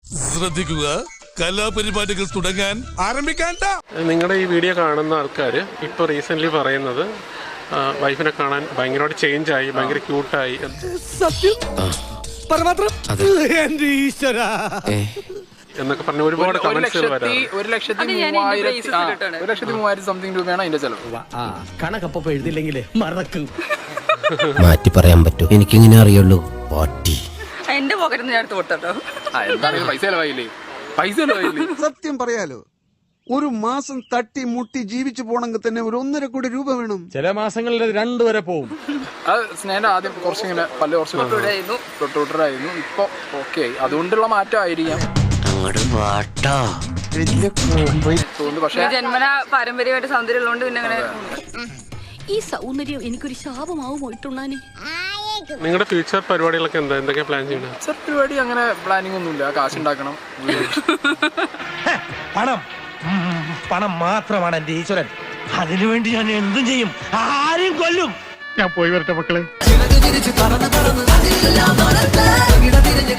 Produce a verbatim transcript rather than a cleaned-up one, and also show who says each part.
Speaker 1: ശ്രദ്ധിക്കുക, കലാപരിപാടികൾ തുടങ്ങാൻ ആരംഭിക്കാൻ.
Speaker 2: നിങ്ങളുടെ ഈ വീഡിയോ കാണുന്ന ആൾക്കാർ ഇപ്പോൾ റീസെന്റ് പറയുന്നത് വൈഫിനെ കാണാൻ ഭയങ്കരമായിട്ട് ചേഞ്ച് ആയി, ഭയങ്കര ക്യൂട്ടായി.
Speaker 1: സത്യം എന്നൊക്കെ പറഞ്ഞ ഒരുപാട് കമന്റ്സുകൾ വരാം.
Speaker 3: ഒരു ലക്ഷത്തി മൂവായിരത്തി ഒരു ലക്ഷത്തി മൂവായിരത്തി സംതിങ് രൂപയാണ് അതിന്റെ ചെലവ്.
Speaker 4: കണക്കപ്പൊ എഴുതില്ലെങ്കിലേ മറക്കും.
Speaker 5: മാറ്റി പറയാൻ പറ്റും, എനിക്കിങ്ങനെ അറിയുള്ളൂ. പാട്ടി
Speaker 6: എന്റെ പോക്കറ്റിൽ നിന്ന് ഞാൻ എടുത്ത് കൊടുത്തോ.
Speaker 3: എന്താണെങ്കിലും പൈസ ചെലവായില്ലേ, പൈസ ചെലവായില്ലേ.
Speaker 7: സത്യം പറയാലോ, ഒരു മാസം തട്ടി മുട്ടി ജീവിച്ചു പോണെങ്കിൽ തന്നെ ഒരു ഒന്നര കോടി രൂപ വേണം.
Speaker 4: ചില മാസങ്ങളിൽ രണ്ടു വരെ പോവും.
Speaker 3: അത് സ്നേഹ ആദ്യം കുറച്ചിങ്ങനെ പല കുറച്ച് തൊട്ടുവിട്ടറായിരുന്നു, ഇപ്പൊ ഓക്കെ ആയി. അതുകൊണ്ടുള്ള മാറ്റം ആയിരിക്കാം തോന്നുന്നു. പക്ഷെ
Speaker 6: ജന്മന പാരമ്പര്യമായിട്ട് സൗന്ദര്യം ഉള്ളതുകൊണ്ട് പിന്നെ അങ്ങനെ
Speaker 8: ഈ സൗന്ദര്യം എനിക്കൊരു ശാപമാവും പോയിട്ടുണ്ണാനെ.
Speaker 2: നിങ്ങളുടെ ഫ്യൂച്ചർ പരിപാടികളൊക്കെ എന്താ, എന്തൊക്കെ പ്ലാൻ ചെയ്യണം?
Speaker 3: ഫ്യൂച്ചർ പരിപാടി അങ്ങനെ പ്ലാനിങ് ഒന്നുമില്ല. കാശ് ഉണ്ടാക്കണം.
Speaker 4: പണം പണം മാത്രമാണ് എന്റെ ഈശ്വരൻ. അതിനുവേണ്ടി ഞാൻ എന്തും ചെയ്യും, ആരെയും കൊല്ലും. ഞാൻ പോയി വരട്ടെ മക്കളെ.